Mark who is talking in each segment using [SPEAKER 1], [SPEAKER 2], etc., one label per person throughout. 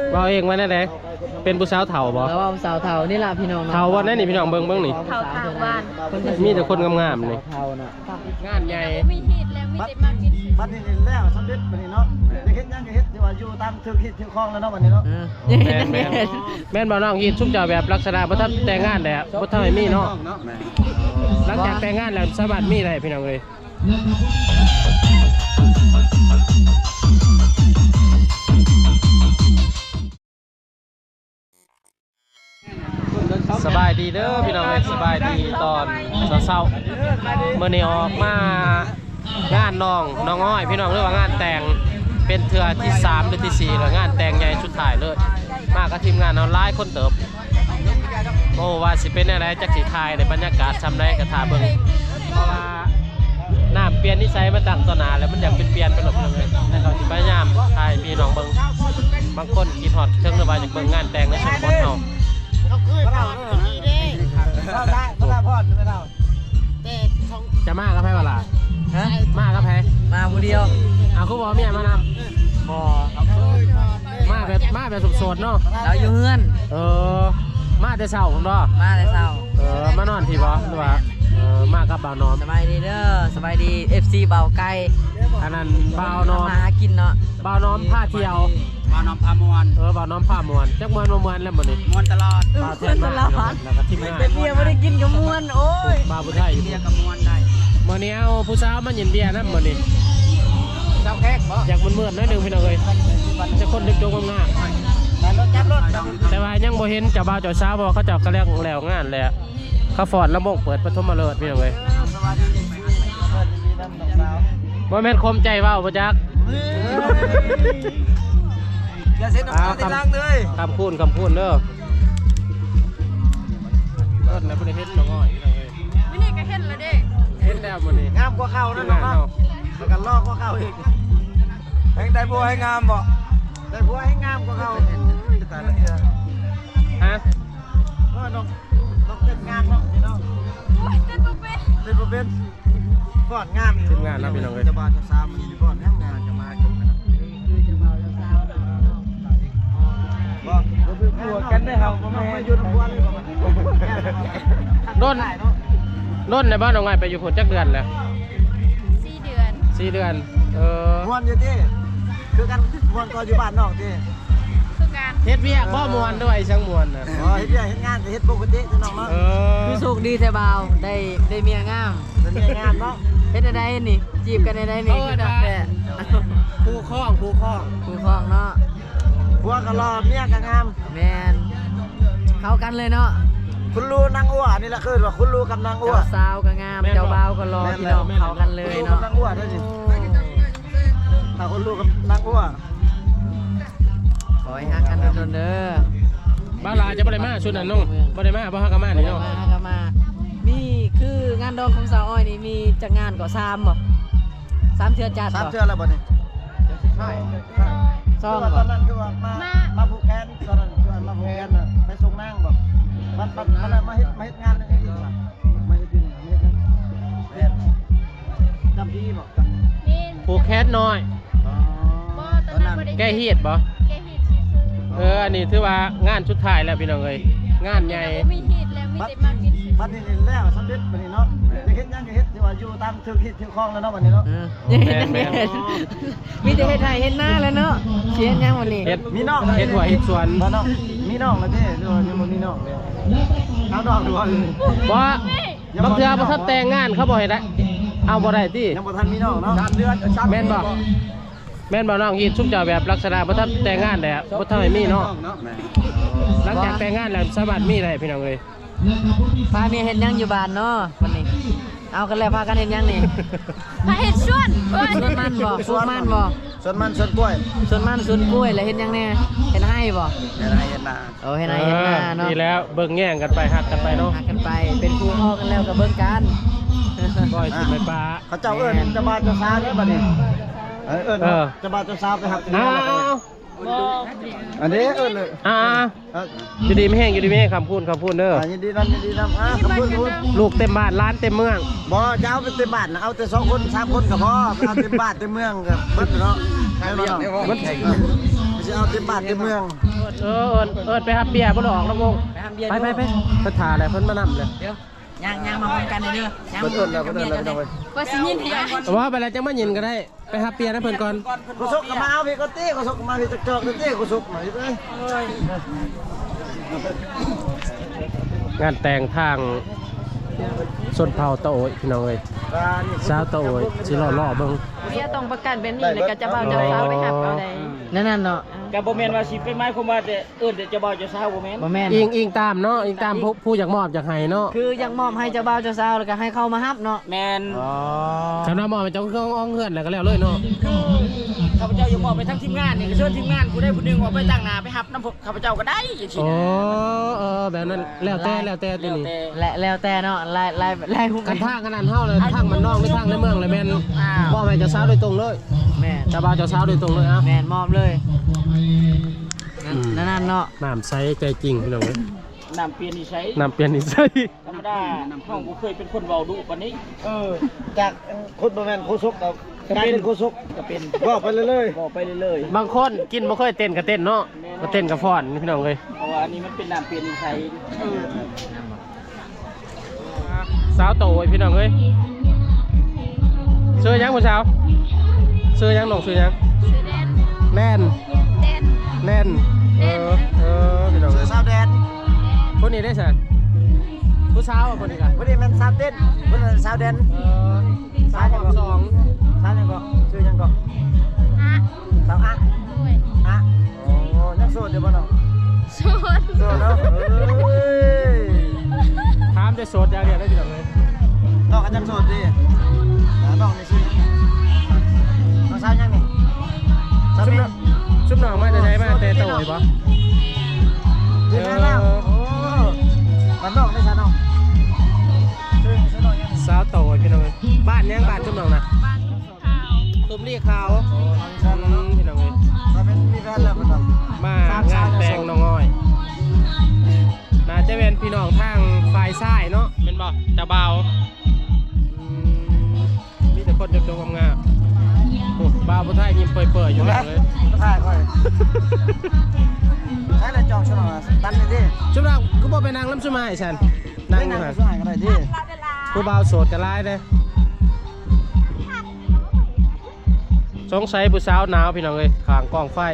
[SPEAKER 1] ว่าเองไว้นั่นแหละเป็นผู้สาวเถ่าบ่
[SPEAKER 2] แล้วว่าสาวเฒ่านี่ล่ะพี่น้อง
[SPEAKER 1] เถ่าวันนั้นนี่พี่น้องเบิ่งนี่
[SPEAKER 3] เท่าทางบ้าน
[SPEAKER 1] มีแต่คนงามๆนี่
[SPEAKER 2] เฒ่าน่ะ
[SPEAKER 1] งานใหญ่
[SPEAKER 3] มีฮีดแล้วมีแต่มากิน
[SPEAKER 4] บัดนี้แล้วสำเร็จบัดนี้เนาะจะเฮ็ดยังก็เฮ็ดที่ว่าอยู่ตามทึกฮิตทึกคลองแล้วเนาะบัดนี้เนาะ
[SPEAKER 1] แม่นบ่น้องยีดชุบเจ้าแบบลักษณะบ่ทันแต่งงานแล้วบ่ทันให้มีเนาะหลังจากแต่งงานแล้วสามารถมีได้พี่น้องเลยสบายดีเด้อพี่น้องสบายดีตอนเช้าๆเมื่อนี้ออกมางานน้องอ้อยพี่น้องเรียกว่างานแต่งเป็นเทื่อที่3หรือที่4แล้วงานแต่งใหญ่ชุดถ่ายเลยมากับทีมงานเอาหลายคนเติบโอ้ว่าสิเป็นอะไรจักสิถ่ายในบรรยากาศทำได้กระถาเบิ่งเพราะว่าน้ำเปลี่ยนนิสัยมาตั้งต่อหน้าแล้วมันอยากเปลี่ยนไปหลบเลยแต่เขาสิพยายามถ่ายพี่น้องเบิ่งบางคนคิดฮอดเชิงระบายจากเบิ่งงานแต่งในชุดบอลเฮาจะมากับไพ่เวลา
[SPEAKER 2] ฮะ
[SPEAKER 1] มากับไพ่
[SPEAKER 2] มาผู้เดียว
[SPEAKER 1] เอาคุณบอกเมียมานำ
[SPEAKER 2] บ่
[SPEAKER 1] มาแบบสดๆเนาะ
[SPEAKER 2] เราอยู่เฮือน
[SPEAKER 1] มาแต่เช้าผมเนาะ
[SPEAKER 2] มาแต่เช้าม
[SPEAKER 1] านอนที่บ่หรือว่ามากับบ่าวน้อม
[SPEAKER 2] สบายดีเด้อสบายดี FC เบาไก่
[SPEAKER 1] อันนั้นบ่าวน้อม
[SPEAKER 2] มาหากินเนาะ
[SPEAKER 1] บ่าวน้อมพาเที่ยว
[SPEAKER 4] บ่าวน้อมพามวน
[SPEAKER 1] บ่าวน้อมพามวนจักมวนแล้วบ่นี่
[SPEAKER 4] มวนตลอด
[SPEAKER 1] บ่าวเที่ยวตลอดแล้วก็ทีมงาน
[SPEAKER 2] เบียร์บ่ได้กินกับมวนโอ้ย
[SPEAKER 1] บ่าวผู้ไทย
[SPEAKER 4] เบียร์กับมวนได้
[SPEAKER 1] มื้อนี้เอาผู้สาวมาเย็นเบียร์นำมื้อนี้
[SPEAKER 4] เจ้าแขกบ่
[SPEAKER 1] อยากมืดๆหน่อยนึงพี่น้องเอ้ยจะคนดึกๆงามแต่ว่ายังบ่เห็นเจ้าบ่าวเจ้าสาวบ่เขาเจ้าก็แล้วงานแล้วเขาฟอดลำวงเปิดปฐมฤกษ์พี่น้องเอ้ยบ่แม่นคมใจเว้าบ่จัก
[SPEAKER 4] อย่าเซ็นน้ำตาติดลังเลย
[SPEAKER 1] คำพูนเด้อเอิ้นแล้วบ่ได้เฮ็ดน้องอ้อยพี่น้องเอ้ย
[SPEAKER 3] มื้อนี้ก็เห็นแล้วเด้
[SPEAKER 1] เฮ็ดแล้วมื้อนี้
[SPEAKER 4] งามกว่าเก่านั่นเนาะแล้วกันลอกกว่าเก่าอีกแห่งได้บัวให้งามบ่ได้บัวให้งามกว่าเก่าตายแล้ว
[SPEAKER 1] ฮะ
[SPEAKER 4] น้องเต้นงามเนาะพี่น้อง
[SPEAKER 3] โอ้ยเต้นบ่เป็น
[SPEAKER 4] ก่อนงามอีก
[SPEAKER 1] ทีมงานนะพี่น้องเอ้ย
[SPEAKER 4] จะบาจะซ้ำมันก่อนงามจะมาจบกันบ่กลัวกันได้เฮาบ่แม่อยู่นำบัวเลย
[SPEAKER 1] โ
[SPEAKER 4] บ่
[SPEAKER 1] ดนในบ้านน้องอ้อยไปอยู่พุ่นจักเดือนแล้ว
[SPEAKER 3] 4 เดือน
[SPEAKER 1] 4 เดือน
[SPEAKER 4] ม่วนอยู่ติคือกันม่วนก็อยู่บ้านนอกติ
[SPEAKER 3] คือการ
[SPEAKER 1] เฮ็ดเวียกบ่ม่วนด้วยช่างม่วนน่ะ
[SPEAKER 4] อ๋อเฮ็ดเวียกเฮ็ดงานก็เฮ็ดปกติพี่น้องเนาะ
[SPEAKER 2] คือสุขดีแท้บ่าวได้เมียงาม
[SPEAKER 4] เป็นเมียงามเนาะ
[SPEAKER 2] เฮ็ดได้นี่จีบกันได้นี่คือดักแต่
[SPEAKER 1] คู่คล้อง
[SPEAKER 2] เนาะ
[SPEAKER 4] ผัวก็รอเมียก็งาม
[SPEAKER 2] แม่นเข้ากันเลยเนาะ
[SPEAKER 4] คุณลูนางอ้วนี่แหละคือว่าคุณลูกับนางอ้ว
[SPEAKER 2] เจ้าสาวก็งามเจ้าบ่าวก็รอพี่น้องเข้ากันเลยเนาะ
[SPEAKER 4] นางอ้วได้ดิถ้าคุณลูกับนางอ้ว
[SPEAKER 2] ขอให้ฮักกันโดนเด้อ
[SPEAKER 1] บ้าลาจะบ่ได้มาชุดนั้นน้องบ่ได้มาบ่ฮักกันมานี่เนาะ
[SPEAKER 2] มามีคืองานดองของสาวอ้อยนี่มีจักงานก็3บ่3เทื่อจัด
[SPEAKER 4] 3เทื่อแล้วบ่นี่ใช่
[SPEAKER 2] 2บ่
[SPEAKER 4] ตอนนั้นคือว่ามาผูกแขนตอนนั้นคือมาผูกแขนน่ะไปส่งนางบ่มันมาเฮ็ดงานอีกว่ะมาเฮ็ดอยู่นี่เฮ็ดจำพี่บ่
[SPEAKER 1] ผูกแขนน้อย
[SPEAKER 3] บ่ตอนนั้นบ่ได้
[SPEAKER 1] แก้เฮียดบ่
[SPEAKER 3] แก้ฮีดซื่อ
[SPEAKER 1] อันนี้ถือว่างานสุดท้ายแล้วพี่น้องเอ้ยงานใหญ่
[SPEAKER 3] มีฮีดแล้วมีแต่มากิน
[SPEAKER 4] บัดนี้แล้วสำเร็จบัดนี้เนาะจะเฮ็ดยังก็เฮ็ดที่ว่าอยู่ตามทึกฮิตทึกคลองแล้วเนาะบัดนี้เนาะ
[SPEAKER 1] แม่น
[SPEAKER 2] มีแต่เฮ็ดไร่เฮ็ดนาแล้วเนาะเขียนยังวันนี้
[SPEAKER 4] มีน้อง
[SPEAKER 1] เฮ็ดหัวเฮ็ดสวน
[SPEAKER 4] บ่เนาะมีน้องแล้วเด้หรือว่ายังบ่มีน้องเลยเอาดอกดู
[SPEAKER 1] บ่บางเทื่อบ่ทันแต่งงานเขาบ่ให้ได้เอาบ่ได้ติ
[SPEAKER 4] ยังบ่ทันมีน้องเนาะ3 เดือน
[SPEAKER 1] แม่นบ่น้องยีดชุบเจ้าแบบลักษณะบ่ทันแต่งงานแล้วบ่ทันให้มีเนาะหลังจากแต่งงานแล้วสามารถมีได้พี่น้องเอ้ย
[SPEAKER 2] พาเมียเฮ็ดยังอยู่บ้านเนาะวันนี้เอากันแล้วพากันเฮ็ดยังนี่
[SPEAKER 3] พาเฮ็ดสวน
[SPEAKER 2] มันบ่ปลูกมันบ่
[SPEAKER 4] สวนมันสวนกล้วย
[SPEAKER 2] สวนมันสวนกล้วยแล้วเฮ็ดยังแน่เฮ็ดให้บ่
[SPEAKER 4] เฮ็ดให้เฮ็ดนา
[SPEAKER 2] เฮ็ดให้เฮ็ดนาเนาะ
[SPEAKER 1] นี่แล้วเบิ่งแย่งกันไปฮักกันไปเนาะ
[SPEAKER 2] ฮักกันไปเป็นคู่พ่อกันแล้วก็เบิ่งกัน
[SPEAKER 1] บ่อยสิไปปลา
[SPEAKER 4] เขาเจ้าเอิ้นจะมาจะซาเด้อบัดนี้จะมาจะซาไปหักกันอันนี้เลย
[SPEAKER 1] อยู่ดีไม่แห้งอยู่ดีไม่แห้งคำพูดเด้อ
[SPEAKER 4] ยินดีนำคำพูด
[SPEAKER 1] ลูกเต็มบ้านร้านเต็มเมือง
[SPEAKER 4] บ่จะเอาเป็นเต็มบ้านนะเอาแต่2 คน 3 คนก็พอเอาเต็มบ้านเต็มเมืองกับเบิดเนาะมันสิสิเอาเต็มบ้านเต็มเมือง
[SPEAKER 1] เอิญไปหาเบียร์บ่หลอกลำวง
[SPEAKER 2] ไปทำเบียร์
[SPEAKER 1] ไปเพิ่นถ่าแหละเพิ่นมานำเลย
[SPEAKER 2] เดี๋ยวย่างมาพร้อมกันเลยเด้อย่าง
[SPEAKER 4] เพิ่นเอิ้นแล้วเพิ่นเอิ้นแล้วไป
[SPEAKER 3] ว่าสิยินให้
[SPEAKER 1] ว่าไปแล้วจังมายินก็ได้ไปหาเบียร์นะเพิ่นก่อน
[SPEAKER 4] กูสุกก็มาเอาพี่ก็ตี้กูสุกก็มาพี่จักจอกตี้กูสุกหน่อยเด้อง
[SPEAKER 1] านแต่งทางชนเผ่าตะโอยพี่น้องเอ้ยสาวตะโอยสิล่อเบิ่ง
[SPEAKER 3] เมียต้องประกันเป็นนี่เลยก็จะเบาจะสาวไปหับเอาได้
[SPEAKER 2] นั่นเนาะ
[SPEAKER 5] กับบ่แม่นว่าสิเป็นไม้คมว่าแต่เอิ้นแต่จะบ่าวจะสาวบ่แม่น
[SPEAKER 2] บ่แม่น
[SPEAKER 1] อิงตามเนาะอิงตามผู้อยากมอบอยากให้เนาะ
[SPEAKER 2] คือยังมอบให้เจ้าบ่าวเจ้าสาวแล้วก็ให้เข้ามาฮับเนาะ
[SPEAKER 5] แม่น
[SPEAKER 1] คำว่ามอบให้เจ้าก็อ้องเฮือนแล้วก็แล้วเลยเนาะ
[SPEAKER 5] ข้าพเจ้าอย่ามอบไปทั้งทีมงานนี่ก็เชิญทีมงานผู้ใดผู้หนึงออกไปตั้งหน้าไปรับนำข้าพเจ้าก็ได้จังซี่
[SPEAKER 1] โอ้
[SPEAKER 5] นะ
[SPEAKER 1] แบบนั้นแล้วแต่ตัวนี้
[SPEAKER 2] แล้วแต่เนาะลายหุ้ม
[SPEAKER 1] กันทางขนาดเฮาเลยทางมันนอกหรือทางในเมืองเลยแม่นมอบให้เจ้าสาวโดยตรงเลย
[SPEAKER 2] แม่น
[SPEAKER 1] เจ้าบ่าวเจ้าสาวโดยตรงเลยอ่ะ
[SPEAKER 2] แม่นมอบเลยนั่นเนาะ
[SPEAKER 1] น้ำใสใจจริงพี่น้องเอ้ย
[SPEAKER 5] น้ำเปลี่ยนนิสัย
[SPEAKER 1] น้ำเปลี่ยนนิสัย
[SPEAKER 5] ธรรมดาห้องบ่เคยเป็นคนเว้าดุปานนี้
[SPEAKER 4] จากคนบ่แม่นโคสุกเอากลายเป็นโคสุก
[SPEAKER 5] ก็เป็น
[SPEAKER 4] ว่าไปเรื่อย
[SPEAKER 5] บ่ไปเรื่อย
[SPEAKER 1] บางคนกินบ่เคยเต้นก็เต้นเนาะมาเต้นกับฟ้อนพี่น้องเอ้ย
[SPEAKER 5] ๆเพราะว่าอันนี้มันเป็นน้ำเปลี่ยนนิสัย
[SPEAKER 1] สาวโตไอ้พี่น้องเอ้ยซื้อยังผู้สาวซื้อยังน้องซื้อยัง
[SPEAKER 3] ซื้อแดน
[SPEAKER 1] แน่น
[SPEAKER 3] แดน
[SPEAKER 1] แน่นพี่น้อง
[SPEAKER 4] ๆ
[SPEAKER 1] เอ้ย
[SPEAKER 4] สาวแดน
[SPEAKER 1] คนนี้ได้สันผู้สาวอ่ะคนนี้กัน
[SPEAKER 4] วันนี้มันสาวเต้นวันนั้นสาวแดน
[SPEAKER 1] สาวของสอง
[SPEAKER 4] สาวยังก็ชื่อยังก็
[SPEAKER 3] ฮะ
[SPEAKER 4] สาวอะ
[SPEAKER 3] ด้วย
[SPEAKER 4] อะโอ้ยังโสดอยู่บ่น้อง
[SPEAKER 3] ชน
[SPEAKER 4] โสดเนาะเอ้ย
[SPEAKER 1] ถามจะโสดอย่างเดียวได้พี่น้องเอ้ย
[SPEAKER 4] น้องก็ยังโสดดิน้องนี่ชื่อน้องสาวยังนี่สาว
[SPEAKER 1] ชุบ
[SPEAKER 4] นี่
[SPEAKER 1] น้องชุบน้องมาจะใช้มาแต่โตอีกปะ
[SPEAKER 4] ชื่อแล้วโอ้มันน้องได้ซะน้องชื่อน้องยัง
[SPEAKER 1] สาวโตไอ้พี่น้องเอ้ยบ้านยังบ้านชุบน้องนะ
[SPEAKER 3] บ้านขาว
[SPEAKER 1] ตุ้มเรียกขาว
[SPEAKER 4] สาวน้อง
[SPEAKER 1] พี่น้องเอ้ย
[SPEAKER 4] สาวเป็นมีแฟนแล้วเพิ่นน้อง
[SPEAKER 1] มางานแต่งน้องอ้อยน่าจะเป็นพี่น้องทางฝ่ายซ้ายเนาะเป็นบ่เจ้าบ่าวมีแต่คนจงๆงามๆโอ้บ่าวผู้ไทยยิ้มเปื่อยๆอยู่แล้วเลย
[SPEAKER 4] ถ่ายค่อยใช้แล้วจองชนองตันนี่ดิ
[SPEAKER 1] ชุบน้องก็บ่ไปนั่งน้ำชุมายฉันนั่งอยู่
[SPEAKER 4] นั่ง
[SPEAKER 1] หั่น
[SPEAKER 4] สายก็ได้ดิ
[SPEAKER 1] ผู้บ่าวโสดกันหลายเด้สงสัยผู้สาวหนาวพี่น้องเอ้ยข้างกองไฟ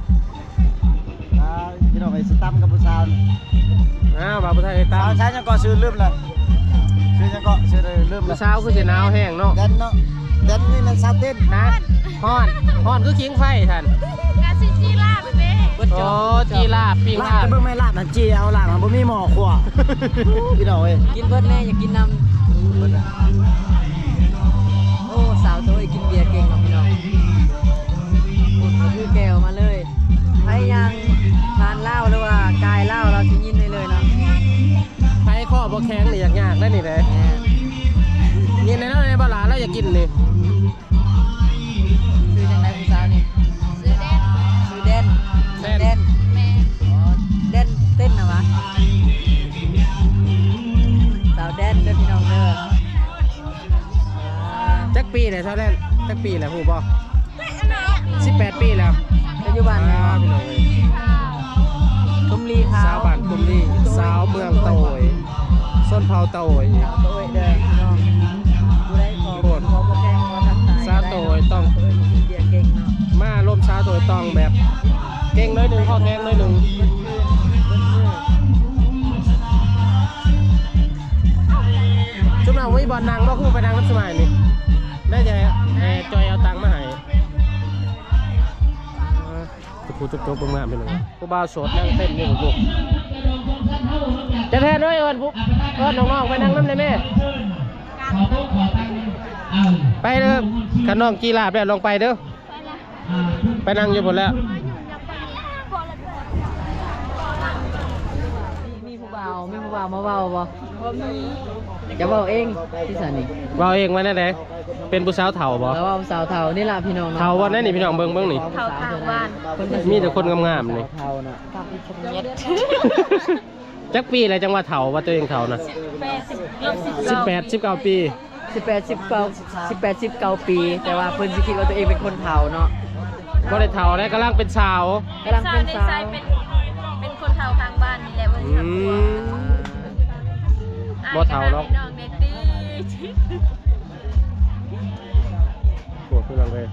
[SPEAKER 4] พี่น้องไอ้สตัมกับผู้สาว
[SPEAKER 1] อ้าวบ่าวผู้ไทยตา
[SPEAKER 4] สาว
[SPEAKER 1] ม
[SPEAKER 4] ใช้ยังก็ซื้อลืมแล้วซื้อยังก็ซื้อเลยลืมแล้
[SPEAKER 1] ผู้
[SPEAKER 4] ว
[SPEAKER 1] สาวคือสิหนาวแห้งเนาะ
[SPEAKER 4] เดนเนาะเดนนี่มันซาเต้น
[SPEAKER 1] นะฮ้อนคือขิงไฟท่าน
[SPEAKER 3] กาซิจีล่าไปเด้
[SPEAKER 1] โอ้จีลาบปิ้ง
[SPEAKER 4] ลา
[SPEAKER 1] ลา
[SPEAKER 4] บบ จะเบิ่งไม่ลาบนะจีเอาลาบมันบ่มีหม้อขวพี่น้องเอ้ย
[SPEAKER 2] กินเบิดแน่อย่ากินน้ำโอ้สาวโตยกินเบียร์เก่งเนาะพี่น้องอุ่นก็คือแก้วมาเลยใครยังทานเหล้าหรือว่ากายเหล้าเราจะยินได้เลยเนาะ
[SPEAKER 1] ไผข้อบ่แข็งนี่ยากๆได้นี่แหละ
[SPEAKER 2] แม่น
[SPEAKER 1] นี่ในนั้นในบ่หลาแล้วอยากกินนี่
[SPEAKER 2] คือจังไดผู้สาวนี่
[SPEAKER 3] ซื้อแดน
[SPEAKER 2] คือเด่น
[SPEAKER 1] แม่น
[SPEAKER 2] เด่น
[SPEAKER 3] แม่
[SPEAKER 2] อ๋อเด่นเต้นนะวะสาวเด่นเด้อพี่น้องเด้ออ่า
[SPEAKER 1] จักปีเลยเท่านั้นจักปีแล้วฮู้บ่18 ปีแล้ว
[SPEAKER 2] ปัจจุบัน
[SPEAKER 1] อ้าวพี่น้องเอ้ย
[SPEAKER 2] ตุ้มลีขาว
[SPEAKER 1] สาวบ้านกุมลีสาวเมืองโตยส้นเผาโตย
[SPEAKER 2] สาวโตยเด้อพี่น้องผู้ใดขอ
[SPEAKER 1] โคตร
[SPEAKER 2] ขอบ่แกล้งขอทักทาย
[SPEAKER 1] สาวโตยต้อง
[SPEAKER 2] โตยกินเบียร์เก่งเนาะ
[SPEAKER 1] มาร่วมสาวโตยต้องแบบเก่งน้อยหนึงข้อแข็งน้อยหนึงจุ๊บน้องมีบ่อนนางบ่คู่ไปนางน้ำสมัยนี่ได้ใจจอยเอาตังค์มาให้จุกๆเบิ่งมาเป็นหยังผู้บ่าวโสดนั่งเต้นอยู่ลูกจะแทนด้วยเอิ้นผู้เอิ้นน้องๆไปนั่งน้ำได้แม่ไปเด้อคันน้องกีฬาบแล้วลงไปเด้อไปนั่งอยู่บนแล้ว
[SPEAKER 2] มีผู้บ่าวมาเว้าบ่จะเว้าเองพี่สันนี่
[SPEAKER 1] เว้าเองไว้แน่เด้เป็นผู้สาวเฒ่าบ่
[SPEAKER 2] แล้วเว้าสาวเฒ่านี่ล่ะพี่น้องเนาะ
[SPEAKER 1] เฒ่าวันนั้นนี่พี่น้องเบิ่งนี่
[SPEAKER 3] เท่าทางบ้าน
[SPEAKER 1] มีแต่คนงามๆนี่
[SPEAKER 2] เฒ่าน่ะ
[SPEAKER 3] เย็ด
[SPEAKER 1] จักปีอะไรจังว่าเฒ่าว่าตัวเองเฒ่านะ
[SPEAKER 3] 80
[SPEAKER 1] 18 19 ปี
[SPEAKER 2] 18 19ปี แต่ว่าเพิ่นสิคิดว่าตัวเองเป็นคนเฒ่าเนาะ
[SPEAKER 1] บ่ได้เฒ่าได้กำลังเป็นสาว
[SPEAKER 2] กำลังเป็นสาว
[SPEAKER 3] เป็นคนเฒ่าทางบ้านนี่แหละบ่ได้
[SPEAKER 1] อื
[SPEAKER 3] ทำ
[SPEAKER 1] มบ่เฒ่าหรอก
[SPEAKER 3] น้องเนตี้
[SPEAKER 1] ปวดขึ้นเลย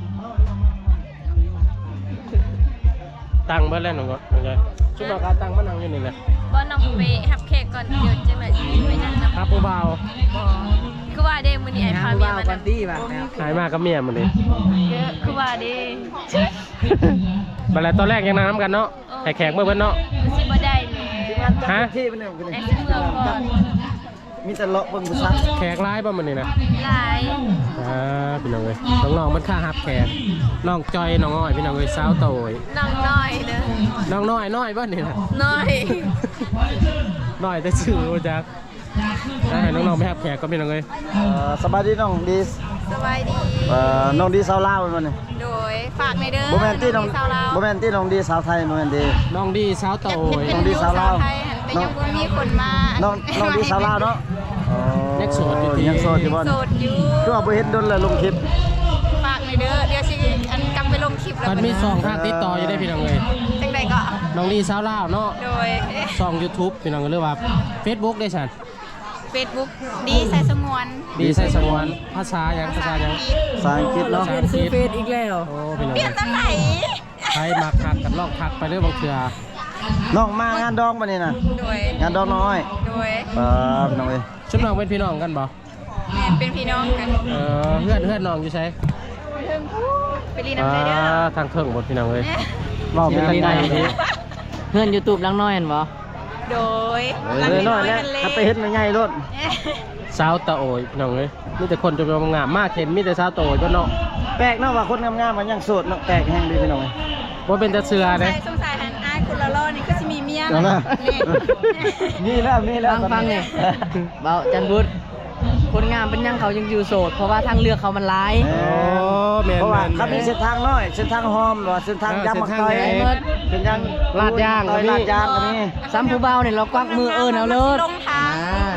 [SPEAKER 1] ตั้งเบิดแล้วน้องก็น้องใจชุดมาการตั้งมานั่งอยู่นี่แหละ
[SPEAKER 3] บ่น้องไปหับแขกก่อนเดี๋ยวจะมาไปนั่งนำ
[SPEAKER 1] ครับผู้บ่าว
[SPEAKER 3] คือว่าเด้มื้อนี้ไอ้พาเมียมา
[SPEAKER 2] กัน
[SPEAKER 3] นำ
[SPEAKER 2] ตี้ป่ะ
[SPEAKER 1] หายมากับเมียมันนี่
[SPEAKER 3] เยอะคือว่าเด้
[SPEAKER 1] บัดแล้วตอนแรกยังนั่งน้ำกันเนาะให้แขกเมื่อเพิ่นเนาะ
[SPEAKER 3] สิบ่ได้เลย
[SPEAKER 1] ฮะ
[SPEAKER 4] ที่เป็นเนี่ยเป็น
[SPEAKER 3] ไอ้
[SPEAKER 4] เนี่ย
[SPEAKER 3] สิเมืองก่อน
[SPEAKER 4] มีแต่เลาะเบิ่งผู้ชาย
[SPEAKER 1] แขกร้ายบ่มันนี่นะ
[SPEAKER 3] หลาย
[SPEAKER 1] พี่น้องเอ้ยน้องๆมันค่าฮับแขกน้องจอยน้องอ้อยพี่น้องเอ้ยสาวโตย
[SPEAKER 3] น้องน้อยเด้อ
[SPEAKER 1] น้องน้อยบ่นี่นะ
[SPEAKER 3] น้อย
[SPEAKER 1] น้อยแต่ชื่อบ่จักให้น้องๆไปฮับแขกก็พี่น้องเอ้ย
[SPEAKER 4] สบายดีน้องดี
[SPEAKER 3] สบายดี
[SPEAKER 4] น้องดีสาวลาวมันนี่
[SPEAKER 3] โดยฝากในเด้อ
[SPEAKER 4] บ่แม่นที่น้อง
[SPEAKER 3] สาวลาว
[SPEAKER 4] บ่แม่นที่น้องดีสาวไทยบ่แม่นดี
[SPEAKER 1] น้องดีสาวโตย
[SPEAKER 4] น้องดีสาวลาว
[SPEAKER 3] ไทยหันแต่ยังบ่มีคนมา
[SPEAKER 4] น้องดีสาวลาวเนาะ
[SPEAKER 1] ยังโสดอยู่ที่
[SPEAKER 4] ยังโสดอยู่บ่
[SPEAKER 3] โสดอยู่
[SPEAKER 4] คือว่าบ่เห็นดนเลยลงคลิป
[SPEAKER 3] ฝากในเด้อเดี๋ยวสิอันกลับไปลงคลิปแล้ว
[SPEAKER 1] มันมีสองทางติดต่ออยู่ได้พี่น้องเอ้ย
[SPEAKER 3] จังใดก็
[SPEAKER 1] น้องดีสาวลาวเนาะ
[SPEAKER 3] โดย
[SPEAKER 1] ช่อง YouTube พี่น้องก็เรียกว่า Facebook ได้ฉัน
[SPEAKER 3] Facebook ดีใส่สงวน
[SPEAKER 1] ดีใส่สงวนภาษาหยังภาษาหยัง
[SPEAKER 4] ภาษาอังกฤษ
[SPEAKER 2] เรา
[SPEAKER 4] เนาะ
[SPEAKER 2] เปลี่ยนซื้อเฟซอีกแล้ว
[SPEAKER 1] โอ้พี่น้อง
[SPEAKER 3] เปลี่ยนตอนไหน
[SPEAKER 1] ใครมาทักกันลอกทักไปเรื่อยบางเทื่อ
[SPEAKER 4] น้องมางานดองบ่นี่น่ะ
[SPEAKER 3] โดย
[SPEAKER 4] งานดองน้อย
[SPEAKER 3] โดย
[SPEAKER 4] พี่น้องเอ้ย
[SPEAKER 1] ชุดน้องเป็นพี่น้องกันบ่
[SPEAKER 3] แม่เป็นพี่น้องกัน
[SPEAKER 1] เพื่อนน้องอยู่ใช่
[SPEAKER 3] เพิ่งไปรีน้ำใจเด้อ
[SPEAKER 1] ทางเทิงหมดพี่น้องเลย
[SPEAKER 4] เว้าเป็นทางใดดี
[SPEAKER 2] เพื่อน YouTube ลังน้อยเห็นบ่
[SPEAKER 3] โดย
[SPEAKER 4] น้อยแล้วถ้าไปเฮ็ดมันใหญ่โลด
[SPEAKER 1] สาวตะโอยพี่น้องเลยมีแต่คนจะมางามมากเห็นมีแต่สาวตะโอยก็เนาะ
[SPEAKER 4] แปลกเนาะว่าคนงามๆมันยังโสดเนาะแปลกแฮงดีพี่น้องเอ้ย
[SPEAKER 1] ว่าเป็นแต่เสือ
[SPEAKER 3] ใส่
[SPEAKER 1] เด้
[SPEAKER 3] สงสัยหันอ้ายคุณละล่อนี่ก็สิมีเมีย
[SPEAKER 4] เอาล่ะ
[SPEAKER 3] นี่
[SPEAKER 4] มีแล้ว
[SPEAKER 2] ฟังเนี่ยเบาจันบุตรคนงามเป็นยังเขายังอยู่โสด เพราะว่าทางเลือกเขามันร้าย
[SPEAKER 1] โอ้แม่น
[SPEAKER 4] เพราะว่า
[SPEAKER 1] แม่น
[SPEAKER 4] เขามีเส้นทางน้อยเส้นทางหอมหรือว่าเส้นทางยำมักต่อย
[SPEAKER 1] เส้นทางไหน
[SPEAKER 4] เส้นทาง
[SPEAKER 1] ลาดย่างก็มี
[SPEAKER 4] ลาดย่างก็มี
[SPEAKER 2] ซ้ำผู้เบาเนี่ยเรากวักมือเอาเลย
[SPEAKER 3] ลงทาง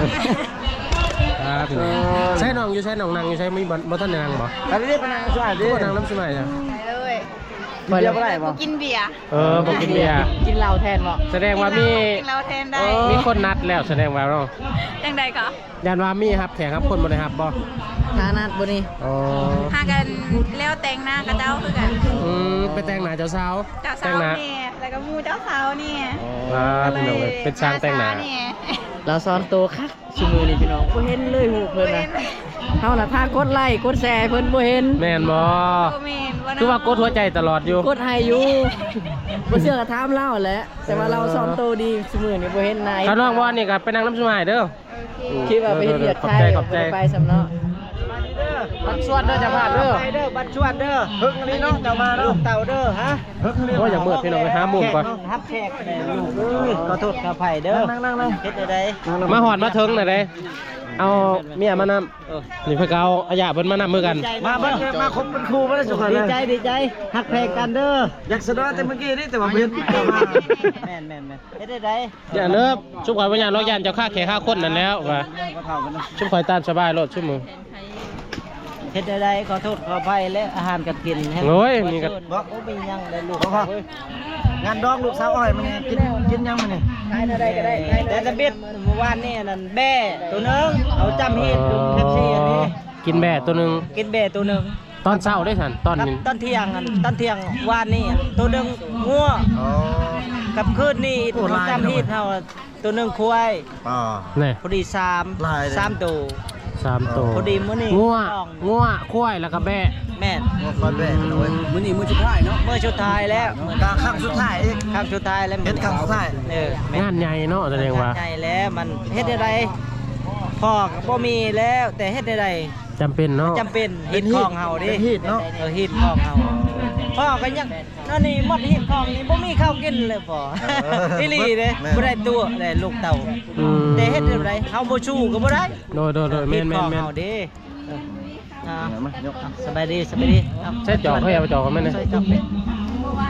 [SPEAKER 1] พี่น้องใช่น้องอยู่ใช่น้องนางอยู่ใช่ไม่บ่ท่านนางบ่
[SPEAKER 4] อันนี้เป็นนางสวยดิ
[SPEAKER 1] ก็นางน้ำสมัยจ้ะ
[SPEAKER 3] ไปเลย
[SPEAKER 4] เบียร์บ่ได้บ่
[SPEAKER 3] กินเบียร์
[SPEAKER 1] บ่กินเบียร์
[SPEAKER 2] กินเหล้าแทนบ่
[SPEAKER 1] แสดงว่ามี
[SPEAKER 3] กินเราแทนได้
[SPEAKER 1] มีคนนัดแล้วแสดงว่าเนาะ
[SPEAKER 3] จังใดก็
[SPEAKER 1] ยันว่ามีครับแขกครับคนบ่ได้ครับบ่
[SPEAKER 2] ฐานะบ่นี่
[SPEAKER 1] อ๋อ
[SPEAKER 3] หากันแล้วแต่งหน้ากับเจ้าคือกัน
[SPEAKER 1] ไปแต่งหน้าเจ้าสาว
[SPEAKER 3] เจ้า
[SPEAKER 1] แต่
[SPEAKER 3] สาง ว
[SPEAKER 1] หน้า
[SPEAKER 3] นี่แล้วก็หมูเจ้าสาวนี่
[SPEAKER 1] พี่น้องเลยเป็นช่างแต่งหน้า
[SPEAKER 2] เราซ้อนโตคักชิมือนี่พี่น้องบ่เห็นเลยหูเพิ่นน่ะเฮาน่ะถ้ากดไลค์กดแชร์เพิ่นบ่เห็น
[SPEAKER 1] แม่นบ่ คือว่ากดหัวใจตลอดอยู่
[SPEAKER 2] กดให้อยู่บ่เชื่อก็ถามเล่าแหละแต่ว่าเราซ้อนโตดีชิมือนี่บ่เห็นนาย
[SPEAKER 1] ข้างนอกบ่นี่ก็ไปนั่งน้ำสมัยเด้อ
[SPEAKER 2] คิดว่าไปเฮ็ดเวียดไทย
[SPEAKER 1] ขอบใจ
[SPEAKER 2] บ่ได้ไปสำเนาะ
[SPEAKER 1] บัดสวดเด้อจะพลาดเด้อ
[SPEAKER 4] ไปเด้อบัดชวดเด้อฮึกอันนี้เนาะเจ้ามาเนาะเต่าเด้อฮะฮึกอันนี้
[SPEAKER 1] โอ้ยอย่ามืดพี่น้องไปหามุมก่อน
[SPEAKER 4] ฮับแขกแม่ลูกเอ้ยขอโทษขออภัยเด้อนั่งๆๆเฮ็ดได้
[SPEAKER 1] มาหอดมาเทิงหน่อยเด้เอาเมียมานำนี่เพิ่นก็เอาอาญาเพิ่นมานำมือกัน
[SPEAKER 4] มาเบิ่งมาคบเป็นครูบ่ได้สุขดีใจดีใจฮักแพงกันเด้ออยากสะดอแต่เมื่อกี้นี่แต่ว่าเฮ็ดมาแม่นๆเฮ็ดได้
[SPEAKER 1] อย่าเลิกชุบข่อยบ่ย่านล็อกย่านเจ้าค่าแขกค่าคนนั่นแล้วว่า
[SPEAKER 4] บ่เท่ากันเนาะ
[SPEAKER 1] ชุบข่อยตามสบายโลดชุบมือ
[SPEAKER 5] เฮ็ดได้ขอโทษขออภัยและอาหารการกิน
[SPEAKER 1] โอ้ยนี่ก็
[SPEAKER 5] บ่มีหยังได้ลูก
[SPEAKER 4] งานดองลูกสาวอ้อยมันกินยังมันนี่
[SPEAKER 5] ได้ก็ได้แต่ตะเบ็ดเมื่อวานนี่นั่นแบ่ตัวนึงเอาจำเฮ็ดดูแคปซี่อันนี้
[SPEAKER 1] กินแบ่ตัวหนึง
[SPEAKER 5] กินแบ่ตัวนึง
[SPEAKER 1] ตอนเช้าได้ทันตอน
[SPEAKER 5] กับ
[SPEAKER 1] นี้
[SPEAKER 5] ตอนเที่ยงอันตอนเที่ยงวานนี่ตัวนึงงัว
[SPEAKER 4] อ๋อ
[SPEAKER 5] กับคืนนี่เขาจำเฮ็ดเฮาตัวนึงควาย
[SPEAKER 4] อ๋อ
[SPEAKER 1] นี่
[SPEAKER 5] พอดี
[SPEAKER 4] ลายเลย
[SPEAKER 5] 3ตัว
[SPEAKER 1] 3ตัว
[SPEAKER 5] พอดีมื้อนี้
[SPEAKER 1] งัวควายแล้วก็แบ่
[SPEAKER 5] แม่น
[SPEAKER 4] คอนแว่โอ้ย
[SPEAKER 5] มื้อนี้มื้อสุดท้ายเนาะมื้อสุดท้ายแล้ว
[SPEAKER 4] กาครั้งสุดท้ายอีก
[SPEAKER 5] ครั้งสุดท้ายแล้ว
[SPEAKER 4] เฮ็ดครั้งสุดท้าย
[SPEAKER 5] แม่
[SPEAKER 1] งานใหญ่เนาะแสดงว่า
[SPEAKER 5] ใหญ่แล้วมันเฮ็ดได้พ่อก็บ่มีแล้วแต่เฮ็ดได้
[SPEAKER 1] จำเป็นเนาะ
[SPEAKER 5] จำเป็นฮิตของเฮาดิ
[SPEAKER 4] เป็นฮีทเนาะ
[SPEAKER 5] ฮิตของเฮาพ่อก็ยังนั่นนี่หมดฮิตของนี่บ่มีข้าวกินเลยพ่ออีหลีเด้บ่ได้ตัวได้ลูกเต่า แต่เฮ็ดได้บ่ได้เฮาบ่ชูก็บ่ได้
[SPEAKER 1] โดยแม่
[SPEAKER 5] ฮิตของ
[SPEAKER 1] น
[SPEAKER 5] เฮาดิสบายดี
[SPEAKER 1] ใช้จอกเขาอย่าไปจอกกันแม่น
[SPEAKER 5] ใส่จอกเป็ด
[SPEAKER 3] เมื่อวาน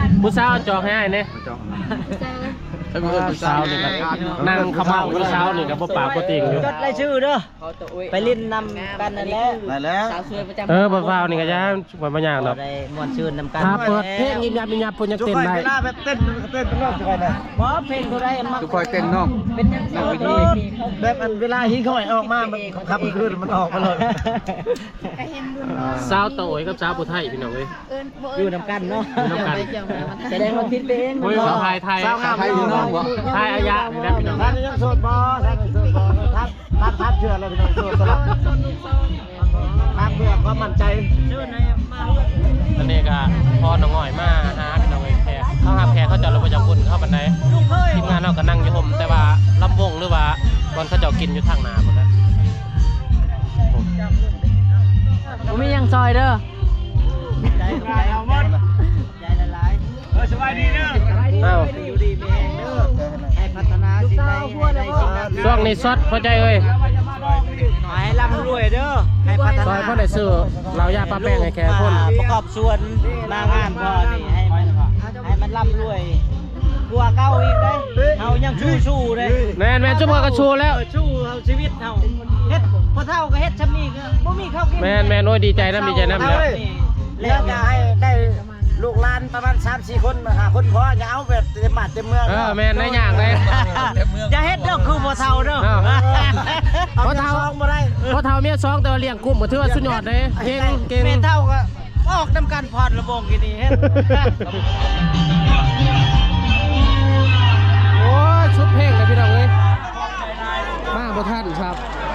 [SPEAKER 1] ผู้สาวจองให้อ้ายเนี่ย สาวนี่ก็นั่งขมับผู้สาวนี่ก็บ่ปากบ่ติงอยู่
[SPEAKER 5] จดรายชื่อเด้อ
[SPEAKER 2] เขาตัวอุ้ย
[SPEAKER 5] ไปลิ้นนำกันนั่นแหละ
[SPEAKER 4] ได้แล้ว
[SPEAKER 2] สาวสวยประจำ
[SPEAKER 1] บ่ฟาวนี่ก็ย่าบ่ยากดอก
[SPEAKER 5] ได้ม่วนชื่นนำกัน
[SPEAKER 1] ถ้าเปิดเพลงยิบยับยิบยับเพิ่นยัง
[SPEAKER 4] จุก
[SPEAKER 1] เต้น
[SPEAKER 4] คอย
[SPEAKER 1] ได้
[SPEAKER 4] เวลาแบบเต้นเป็นรอบจุกคอยนะ
[SPEAKER 5] บ่เพลงเท่าไรมา
[SPEAKER 4] จุกคอยเต้นน้อง
[SPEAKER 5] เป็นจังซี่โลด
[SPEAKER 4] แบบอันเวลาหิ้งเข้าไปออกมามันขับขึ้นมันออกมาเลย
[SPEAKER 1] สาวโตยกับสาวผู้ไทยพี่น้องเอ้ย
[SPEAKER 5] อยู่นำกันเนาะ
[SPEAKER 1] อยู่นำกัน
[SPEAKER 5] แสดงว่าคิดไปเอง
[SPEAKER 1] โอ้ยสาวไทยไทย
[SPEAKER 4] สาวงามอยู่น้องบ่
[SPEAKER 1] ไทยอายะนี่นะพี่น้อง
[SPEAKER 4] ท่านยังโสดบ่ท่านยังโสดบ่ทักเชื่อเลยพี่น้องโสดตลอดทักเพื่อความมั่นใจ
[SPEAKER 5] ชื่อไหนมา
[SPEAKER 1] ตอนนี้ก็พอน้องอ้อยมาหาพี่น้องเอ้ยแขกเขาหาแขกเขาจะลงประจำบุญเข้าบันได
[SPEAKER 5] ลูกเคย
[SPEAKER 1] ทีมงานเราก็นั่งอยู่ห่มแต่ว่าลำวงหรือว่าบอลเขาเจ้ากินอยู่ทางนาหมดแล้ว
[SPEAKER 2] ผมมียังซอยเด้อ
[SPEAKER 5] ใจเอาหมดใจละลายสบายดีเด้อ
[SPEAKER 1] อ้าว
[SPEAKER 5] อยู่ดีมีแรงเด้อให้พัฒนาสิ่งใดให้ได้สิ่งนั้น
[SPEAKER 1] ช่วงนี้สดพอใจเอ้ย
[SPEAKER 5] ให้ร่ำรวยเด้อให้พัฒ
[SPEAKER 1] ซอย
[SPEAKER 5] นา
[SPEAKER 1] พ่อได้ซื้อเรายาปลาแป้งให้แขกคน
[SPEAKER 5] ประกอบส่วนมางานพอนี่ให้มันร่ำรวยกลัวเก้าอีกได้เฮายังสู้ๆเลย
[SPEAKER 1] แม่นจุ๊บก็ชูแล้ว
[SPEAKER 5] สู้เฮาชีวิตเฮาเฮ็ดพอเท่าก็เฮ็ดชำนี้ก็บ่มีข้าวกิน
[SPEAKER 1] แม่นโอ้ยดีใจน้ำแล้ว
[SPEAKER 4] เลี้ยงจะให้ได้ลูกหลานประมาณ 3-4 คนมาหาคนพออย่าเอาแบบเต็มบ้านเต็มเมือง
[SPEAKER 1] แม่นได้อย่างเลย
[SPEAKER 5] อย่าเฮ็ดเด้อคือพอเท่าเด้อ
[SPEAKER 4] พอเท่าบ่ได้
[SPEAKER 1] พอเท่าเมียซองแต่ว่าเลี้ยงกุ้มก็ถือว่าสุดยอดเลยเก่ง
[SPEAKER 5] แม่เท่าก็ออกนำกันพอดระบงกินนี่เฮ็ด
[SPEAKER 1] โอ้ยชุดเพลงเลยพี่น้องเอ้ยมาบ่ทันครับ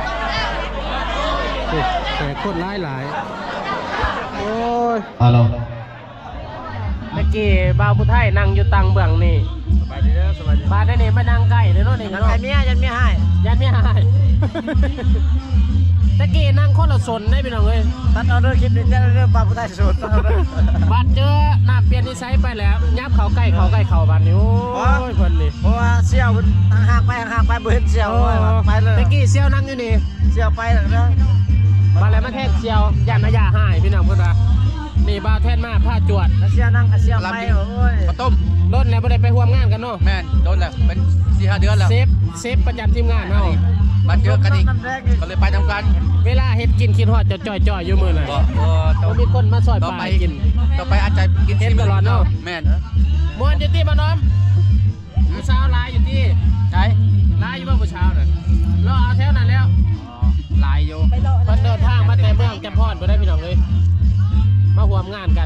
[SPEAKER 1] แต่คนหลายโอ้ย
[SPEAKER 6] ฮัลโหล
[SPEAKER 1] เมื่อกี้บ่าวผู้ไทยนั่งอยู่ตังเบื้องนี่สบายดีเด้อสบายดีบ้านได้นี่มานั่งใกล้เด้อเนาะนี่
[SPEAKER 4] ยั
[SPEAKER 1] เนาะ
[SPEAKER 4] นเมียยันเมียให้
[SPEAKER 1] ยันไม่หายตะกี้นั่งคนละสนได้พี่น้องเอ้ย
[SPEAKER 4] ตัดเอาเรื่องคลิปนี้เรื่องปลาผู้ใต้สุดตัดเอาเรื่อง
[SPEAKER 1] บาดเจอน้ำเปลี่ยนนิสัยไปแล้วยับเขาใกล้เขาบาดนิ้วโอ้ยเพิ่นนี่
[SPEAKER 4] เพราะว่าเสี่ยวห่างไปบ่เห็นเสี่ยวไปเลย
[SPEAKER 1] ตะกี้เซียวนั่งอยู่นี่
[SPEAKER 4] เสี่ยวไปแล้วนะ
[SPEAKER 1] บาดแล้วมาแทนเซียวยันอาญาหายพี่น้องเพิ่นว่านี่บาดแทนมาผ้าจวด
[SPEAKER 4] เสี่ยวนั่งเสี่ยวไปโอ้ย
[SPEAKER 6] ข้าวต้ม
[SPEAKER 1] รถแล้วบ่ได้ไปร่วมงานกันเนาะ
[SPEAKER 6] แม่นโดนแล้วเป็น 4-5 เดือนแล้ว
[SPEAKER 1] เซฟประจำทีมงานเฮา
[SPEAKER 6] มาเจอกันอีกก็เลยไปทำกัน
[SPEAKER 1] เวลาเฮ็ดกินคิดฮอดจะจ่อยๆอยู่มื้อน่ะ
[SPEAKER 6] ก็ต้
[SPEAKER 1] บ่
[SPEAKER 6] อง
[SPEAKER 1] มีคนมาซอย
[SPEAKER 6] ต่อ
[SPEAKER 1] ปลา
[SPEAKER 6] ไป
[SPEAKER 1] ให้กิน
[SPEAKER 6] ต่อไปอาจจะกิน
[SPEAKER 1] เห็นตลอดเนาะ
[SPEAKER 6] แม่น
[SPEAKER 1] ม่วนอยู่ที่บ้านน้อมผู้สาวหลายอยู่ที่
[SPEAKER 6] ใช่
[SPEAKER 1] ลายอยู่บ้านผู้เช้าน่ะรอเอาแถวนั้นแล้ว
[SPEAKER 6] ลายอยู่
[SPEAKER 1] เพิ่นเดินทางมาแต่เมืองจำพรบ่ได้พี่น้องเลยมาร่วมงานกัน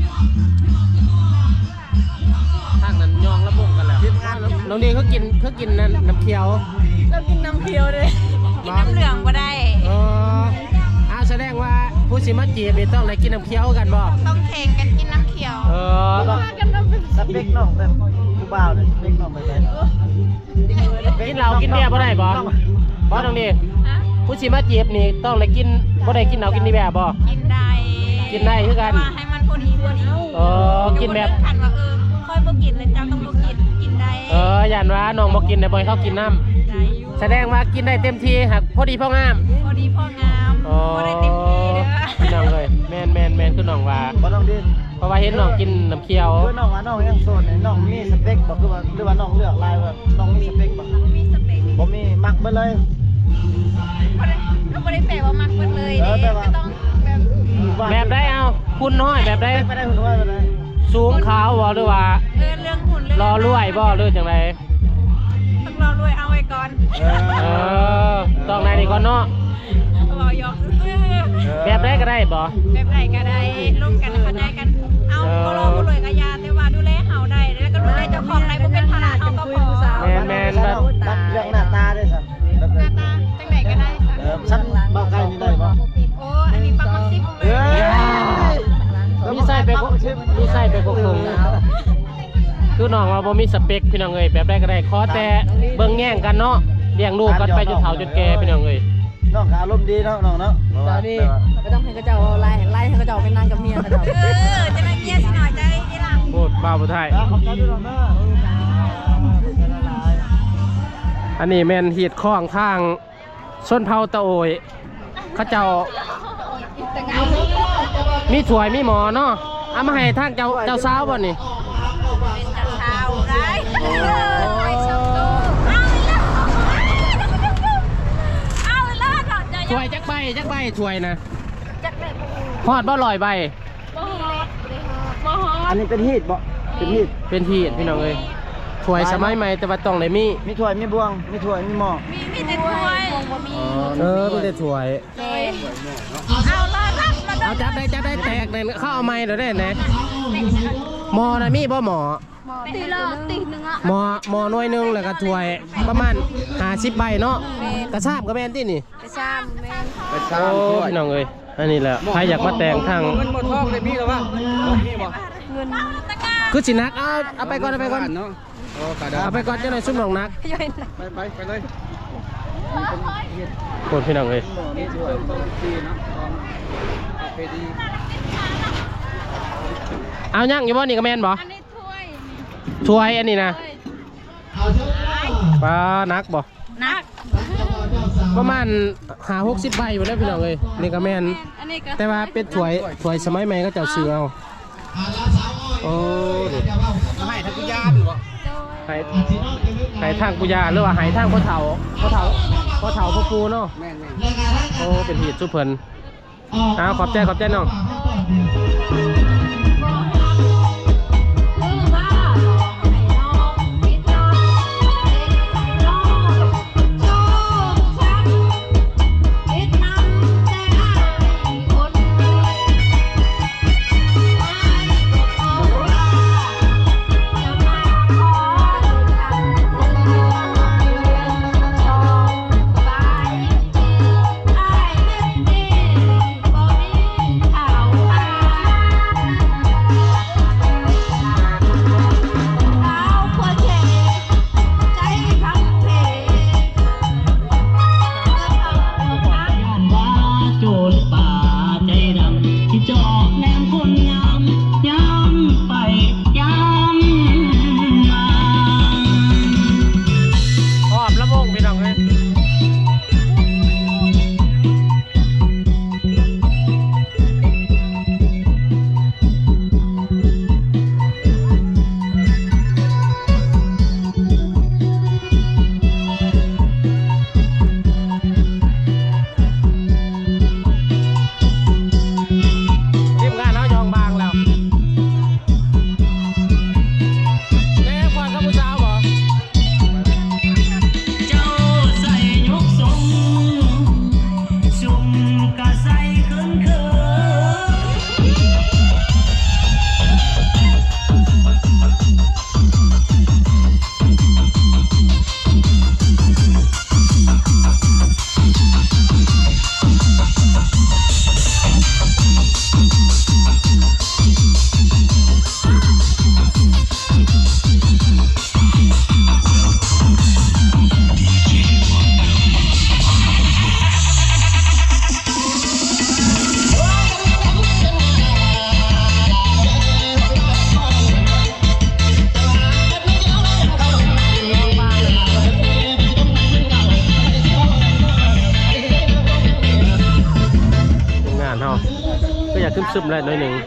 [SPEAKER 1] ทางนั้นยองละมุงกันแล้วน้องดีเขากินน้ำเขียว
[SPEAKER 3] เรากินน้ำเขียวเลยกินน้ำเหลืองก็ได้
[SPEAKER 1] แสดงว่าผู้สิมาจีบนี่ต้องได้กินน้ำเขียวกันบ่
[SPEAKER 3] ต้องแข่งกันกินน้ำเขียว
[SPEAKER 4] สเปคน้องแบบผู้บ่าวเลยสเปคน้องแบบไหน
[SPEAKER 1] กินเหล้ากินเบียร์บ่ได้บ่บ่น้องดี
[SPEAKER 3] ฮะ
[SPEAKER 1] ผู้สิมาจีบนี่ต้องได้กินบ่ได้กินเหล้ากินเบียร์บ่
[SPEAKER 3] กินได้
[SPEAKER 1] กินได้คือกัน
[SPEAKER 3] แต่ว่าให้มันพอดี
[SPEAKER 1] กินแบบ
[SPEAKER 3] ขันว่าค่อยบ่กินเลยเจ้าต้องบ่กินได้
[SPEAKER 1] ย่านว่าน้องบ่กินได้บ่ให้เขากินน้ำ
[SPEAKER 3] ได้อยู่
[SPEAKER 1] แสดงว่ากินได้เต็มที่หักพอดีพองาม
[SPEAKER 3] พอดีพองามบ่ได้เต็มที่เด้อ
[SPEAKER 1] พี่น้องเลยแมนคือน้องว่า
[SPEAKER 4] บ่น้องดิ
[SPEAKER 1] เพราะว่าเห็นน้องกินน้ำเคี้ยว
[SPEAKER 4] คือน้องว่าน้องยังโสดน้องมีสเปคบ่คือว่าหรือว่าน้องเลือกลายว่าน้องมีสเปคบ่
[SPEAKER 3] มีสเปค
[SPEAKER 4] บ่มีมักไปเลย
[SPEAKER 3] ก็บ่ได้แปลว่ามักเบิดเลยเด้ก็ต้องแบบ
[SPEAKER 1] แบบได้เอาคุณน้อยแบบได้
[SPEAKER 4] ไปได้หุ่นไว้ไปได้
[SPEAKER 1] สูงขาวบ่หรือว่า
[SPEAKER 3] เรื่องหุ่นเรื่อง
[SPEAKER 1] รอรวยบ่หรือจังไร
[SPEAKER 3] ต้องรอรวยเอาไว้ก่อน
[SPEAKER 1] ต้องไหนนี่ก่อนเนาะ
[SPEAKER 3] บ่ยอกซื่อ
[SPEAKER 1] แบบได้ก็ได้บ่
[SPEAKER 3] แบบไหนก็ได้ร่วมกันเข้าใจกัน เอาบ่รอบ่รวยก็อย่าแต่ว่าดูแลเฮาได้แล้วก็ดูแลเจ้าของได้บ่เป็นภาระเฮาก็พอ
[SPEAKER 1] แมน
[SPEAKER 4] เรื่องหน้าตาด้วยซ้ำ
[SPEAKER 3] หน้าตาจังไดก็ได้ค่ะ
[SPEAKER 4] ชั้นเบาใกล้นี่ได้บ่
[SPEAKER 3] โอ้อันนี้ปักมักซิบเล
[SPEAKER 4] เอ้
[SPEAKER 3] ย
[SPEAKER 4] ย
[SPEAKER 1] มีไส้ไปกคงคือน้องว่าบ่มีสเปคพี่น้องเอ้ยแบบได้ก็ได้ขอแต่เบิ่งแย่งกันเนาะเลี้ยงลูกกันไปจนเฒ่าจนแก่พี่น้องเอ้ย
[SPEAKER 4] น้องก็อารมณ์ดีเนาะน้องเนาะ
[SPEAKER 2] เจ้านี่ไม่ต้องให้กระเจ้าไล่ให้กระเจ้าไปนั่งกับเมียกระเจ้า
[SPEAKER 3] จะมาเมียสิหน่อยใจอีหลัง
[SPEAKER 1] พูดบ้าบ่ไทย
[SPEAKER 4] ขอบใจด้วยน้องเนาะ
[SPEAKER 1] อันนี้แม่นหีดข้องทางส้นเผาตะโอยเขาเจ้ามีถ้วยมีหมอเนาะเอามาให้ทางเจ้าสาวบ่นี่ถ้วยจักใบถ้วยนะ
[SPEAKER 3] จักได้บ่
[SPEAKER 1] ฮอดบ่ลอยใบ
[SPEAKER 3] บ่ฮอดบ่ฮอ
[SPEAKER 4] อั
[SPEAKER 3] ด
[SPEAKER 4] นนี้เป็นฮีทบ่เป็นฮีท
[SPEAKER 1] เป็นที่พี่น้องเอ้ยถ้วยสมัยใหม่แต่ว่าต้องได้มี
[SPEAKER 4] มีถ้วยมีบวงมีถ้วยมีหม้อ
[SPEAKER 3] มีแต่ถ้วยบ่มี
[SPEAKER 1] มีแต่ถ้วย
[SPEAKER 3] เลยเอาละรับมา
[SPEAKER 1] เอาจับได้แตกเลยเข้าเอาไม้เดี๋ยวได้ไหนหมอนะมีบ่หมอ
[SPEAKER 3] ตีละตีนึงอ่ะ
[SPEAKER 1] หมอหน่วยหนึงแล้วก็ถ้วยประมาณ50ใบเนาะกระซาบกระแมนที่นี่
[SPEAKER 3] ไปซ้ำแม่น
[SPEAKER 6] ไป
[SPEAKER 1] โอ้พี่น้องเอ้ยอันนี้แหละใครอยากมาแต่งทาง
[SPEAKER 6] เงินหมดทองได้มีแล้ววะมีบ่
[SPEAKER 3] เงิน
[SPEAKER 1] คือสินักเอาไปก่อนเอาไปก่อน
[SPEAKER 6] เนาะโอ้กระดา
[SPEAKER 1] เอาไปก่อนจะหน่อยซุ่มหนองนัก
[SPEAKER 3] ย่อยนะ
[SPEAKER 6] ไปเลย
[SPEAKER 1] คนพี่น้องเอ้ย
[SPEAKER 6] มีถ้วยดีเนาะโอเคดี
[SPEAKER 1] เอายังอยู่บ่นี่กระแมนบ่
[SPEAKER 3] อันนี้ถ้วย
[SPEAKER 1] ถ้วยอันนี้นะปลานักบ่
[SPEAKER 3] นัก
[SPEAKER 1] ประมาณ50-60ใบอยู่แล้วพี่น้องเอ้ยนี่กระแมน
[SPEAKER 3] อันนี้ก็
[SPEAKER 1] แต่ว่าเป็นถ้วยสมัยใหม่ก็จะซื้อเอาโอ้ดิ
[SPEAKER 6] ให้ทักยานหรือเปล่า
[SPEAKER 1] หายทางปุยาหรือว่าหายทางพ่อเฒ่าพ่อปูเนาะ
[SPEAKER 6] แม่น
[SPEAKER 1] โอ้เป็นหีดสุเพิ่นเอาขอบใจน้องขอบละมงพี่น้องเอ้ยทีมงานเขายองบางแล้วแม่ควานกับผู้สาวบ่
[SPEAKER 7] เจ้าใส่ยกทรงซุ่มกะใส่เขินเขิน
[SPEAKER 1] ทีมงานเขาก็อยากซึมๆเลยหน่อยหนึ่ง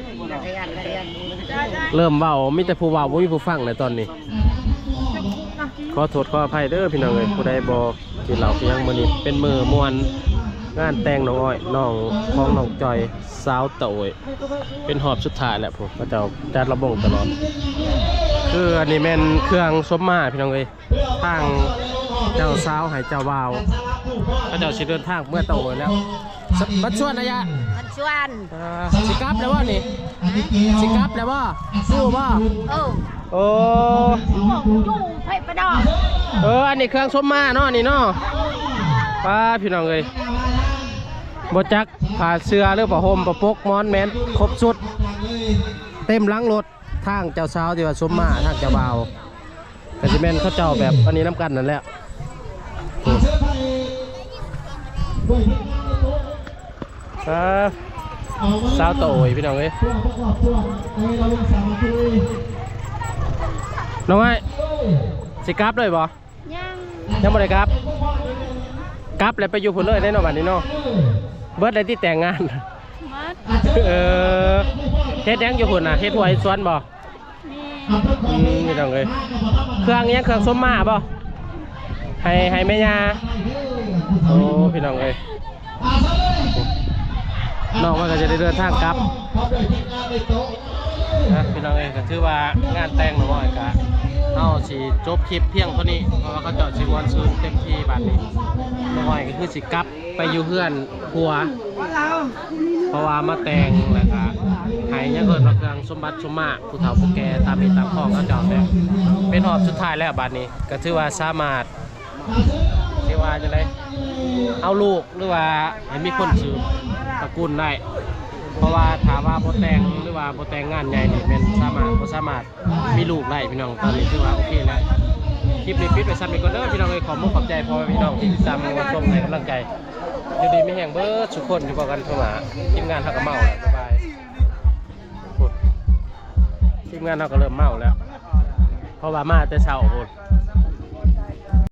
[SPEAKER 1] เริ่มเบามีแต่ผู้เบาไม่มีผู้ฟังเลยตอนนี้ขอโทษขออภัยเด้อพี่น้องเลยผู้ใดบอกกินเหล้าเพียงมื้อนี้เป็นมือมวนงานแต่งน้องอ้อยน้องของน้องจอยสาวเต๋อยเป็นหอบสุดท้ายแหละผมก็จะจัดระบงตลอดคืออันนี้แม่นเครื่องซบมาพี่น้องเลยทางเจ้าสาวให้เจ้าบ่าวก็เจ้าสิเดินทางเมื่อเต๋อยแล้วบัดชวนนะยะ
[SPEAKER 3] มันชวน
[SPEAKER 1] สิกลับแล้วว่านี่สิกลับแล้วว่าสู้ว่า
[SPEAKER 3] โอ้
[SPEAKER 1] โอ้
[SPEAKER 3] จุ่มไผ่ประดอก
[SPEAKER 1] อันนี้เครื่องชมมาเนาะนี่เนาะป้าพี่น้องเลยบจักผ่าเสื้อหรือผ้าห่มผ้าปกมอนแมนครบสุดเต็มหลังรถทางเจ้าสาวที่ว่าชมมาทางเจ้าบ่าวกสิเมนเขาเจ้าแบบอันนี้น้ำกันนั่นแหละสาวโตยพี่น้องเอ้ยน้องไอ้สิกลับเลยบ่ ยังบ่ได้กลับแล้วไปอยู่พุ่นเลยได้เนาะบัดนี้เนาะเบิดได้ที่แต่งงาน
[SPEAKER 3] มัด
[SPEAKER 1] เฮ็ดยังอยู่พุ่นน่ะเฮ็ดหัวเฮ็ดสวนบ่พี่น้องเอ้ยเครื่องยังเครื่องส้มมาบ่ให้แม่ย่าโอ้พี่น้องเอ้ยน้องว่าก็จะได้เดินทางกลับนะพี่น้องเองก็ถือว่างานแต่งน้อยกะเอาสิจบคลิปเพียงเท่านี้เพราะว่าเขาเจาะสิมวนซื้อเต็มที่บัดนี้น้อยก็คือสิกลับไปอยู่เพื่อนผัวเพราะว่ามาแต่งแล้วก็ให้ยังเกิดมาเครื่องสมบัติสมมาผู้เฒ่าผู้แก่ตามมีตามข้องเขาเจาะแต่เป็นหอบสุดท้ายแล้วบัดนี้ก็ถือว่าสามารถที่ว่าจะได้เอาลูกหรือว่าให้มีคนสืบตระกูลได้เพราะว่าถามว่าโบแต่งหรือว่าโบแต่งงานใหญ่นี่เป็นสามารถมีลูกได้พี่น้องตอนนี้ถือว่าโอเคแล้วคลิปนี้ปิดไปซ้ำอีกคนเด้อพี่น้องเลยขอมุกขอบใจพ่อพี่น้องที่ติดตามมาชมให้กำลังใจอยู่ดีไม่แห้งเบิร์ดทุกคนอยู่กับกันเข้ามาทีมงานเขาก็เมาแล้วบ๊ายบายทีมงานเขาก็เริ่มเมาแล้วเพราะว่ามาแต่เช้าโหด